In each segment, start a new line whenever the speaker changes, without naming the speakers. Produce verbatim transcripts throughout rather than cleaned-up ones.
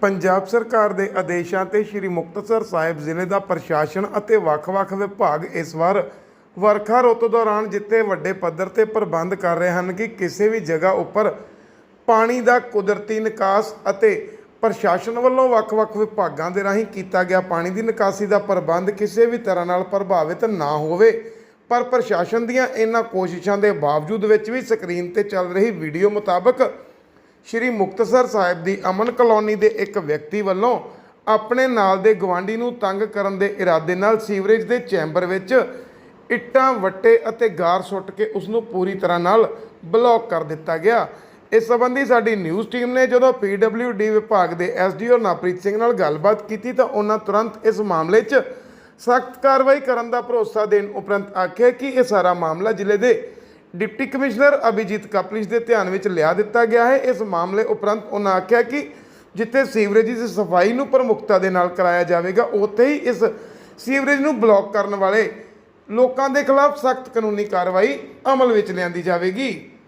ਪੰਜਾਬ ਸਰਕਾਰ ਦੇ ਆਦੇਸ਼ਾਂ ਤੇ ਸ਼੍ਰੀ ਮੁਕਤਸਰ ਸਾਹਿਬ ਜ਼ਿਲ੍ਹੇ ਦਾ ਪ੍ਰਸ਼ਾਸਨ ਅਤੇ ਵੱਖ-ਵੱਖ ਵਿਭਾਗ ਇਸ ਵਾਰ ਵਰਖਾ ਰੁੱਤ ਦੌਰਾਨ ਜਿੱਥੇ ਵੱਡੇ ਪੱਧਰ ਤੇ ਪ੍ਰਬੰਧ ਕਰ ਰਹੇ ਹਨ ਕਿ ਕਿਸੇ ਵੀ ਜਗ੍ਹਾ ਉੱਪਰ ਪਾਣੀ ਦਾ ਕੁਦਰਤੀ ਨਿਕਾਸ ਅਤੇ ਪ੍ਰਸ਼ਾਸਨ ਵੱਲੋਂ ਵੱਖ-ਵੱਖ ਵਿਭਾਗਾਂ ਦੇ ਰਾਹੀਂ ਕੀਤਾ ਗਿਆ ਪਾਣੀ ਦੀ ਨਿਕਾਸੀ ਦਾ ਪ੍ਰਬੰਧ ਕਿਸੇ ਵੀ ਤਰ੍ਹਾਂ ਨਾਲ ਪ੍ਰਭਾਵਿਤ ਨਾ ਹੋਵੇ। ਪਰ ਪ੍ਰਸ਼ਾਸਨ ਦੀਆਂ ਇਹਨਾਂ ਕੋਸ਼ਿਸ਼ਾਂ ਦੇ ਬਾਵਜੂਦ ਵਿੱਚ ਵੀ ਸਕਰੀਨ ਤੇ ਚੱਲ ਰਹੀ ਵੀਡੀਓ ਮੁਤਾਬਕ ਸ਼੍ਰੀ ਮੁਕਤਸਰ ਸਾਹਿਬ ਦੀ ਅਮਨ ਕਲੋਨੀ ਦੇ ਇੱਕ ਵਿਅਕਤੀ ਵੱਲੋਂ ਆਪਣੇ ਨਾਲ ਦੇ ਗਵਾਂਢੀ ਨੂੰ ਤੰਗ ਕਰਨ ਦੇ ਇਰਾਦੇ ਨਾਲ ਸੀਵਰੇਜ ਦੇ ਚੈਂਬਰ ਵਿੱਚ ਇੱਟਾਂ ਵੱਟੇ ਅਤੇ ਗਾਰ ਸੁੱਟ ਕੇ ਉਸ ਨੂੰ ਪੂਰੀ ਤਰ੍ਹਾਂ ਨਾਲ ਬਲੌਕ ਕਰ ਦਿੱਤਾ ਗਿਆ। ਇਸ ਸੰਬੰਧੀ ਸਾਡੀ ਨਿਊਜ਼ ਟੀਮ ਨੇ ਜਦੋਂ ਪੀ ਡਬਲਿਊ ਡੀ ਵਿਭਾਗ ਦੇ S D O Navpreet Singh ਨਾਲ ਗੱਲਬਾਤ ਕੀਤੀ ਤਾਂ ਉਹਨਾਂ ਤੁਰੰਤ ਇਸ ਮਾਮਲੇ 'ਚ ਸਖਤ ਕਾਰਵਾਈ ਕਰਨ ਦਾ ਭਰੋਸਾ ਦੇਣ ਉਪਰੰਤ ਆਖਿਆ ਕਿ ਇਹ ਸਾਰਾ ਮਾਮਲਾ ਜ਼ਿਲ੍ਹੇ ਦੇ डिप्टी कमिश्नर अभिजीत कपलिश के ध्यान में लिया दिता गया है। इस मामले उपरंत उन्होंने आख्या कि जिथे सीवरेज की सफाई नूं प्रमुखता दे नाल कराया जाएगा उत्थे ही इस सीवरेज नूं ब्लॉक करने वाले लोगों के खिलाफ सख्त कानूनी कार्रवाई अमल में लियांदी जाएगी।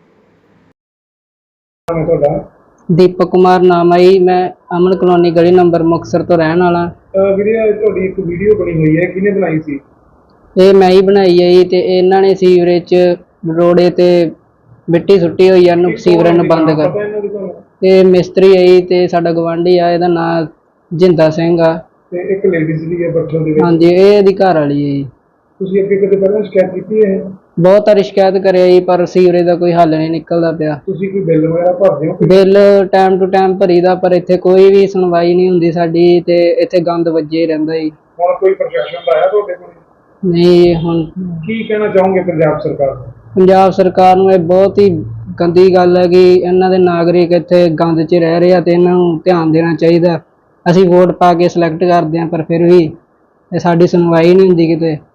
दीपक कुमार नाम है जी, मैं अमन कलोनी गली नंबर मुक्तसर तो रहने वाला।
एक वीडियो बनी हुई है, किने बनाई सी?
ये मैं ही बनाई है जी। ते इन्हां ने सीवरेज रोड़े ते मिट्टी सुट्टी हुई है, सीवरेज नूं बंद कर ते मिस्त्री है जी ते साडा गवांढी आ, इहदा नाम जिंदा सिंह आ
ते एक लेडीज दी है बठल दे विच।
हां जी, ये इहदी घर वाली है जी।
तुसीं अगे कदे पहलां शिकायत कीती है?
बहुत सारी शिकायत करे जी, पर सीवरेज का कोई हल नहीं निकलदा पिया।
तुसीं कोई बिल वगैरह भरदे हो?
बिल टाइम टू टाइम भरीदा, पर इत्थे कोई भी सुनवाई नहीं हुंदी साडी ते इत्थे गंद वज्जे रहिंदा जी।
हुण कोई प्रशासन दा आया तुहाडे कोल?
नहीं। हुण
की कहना चाहोगे पंजाब सरकार नूं?
पंजाब सरकार नूं बहुत ही गंदी गल है कि इन्हां दे नागरिक इत्थे गंद च रह रहे ते इन्हां नूं ध्यान देना चाहिए। असीं वोट पा के सिलेक्ट करदे हां, पर फिर भी साडी सुनवाई नहीं हुंदी किते।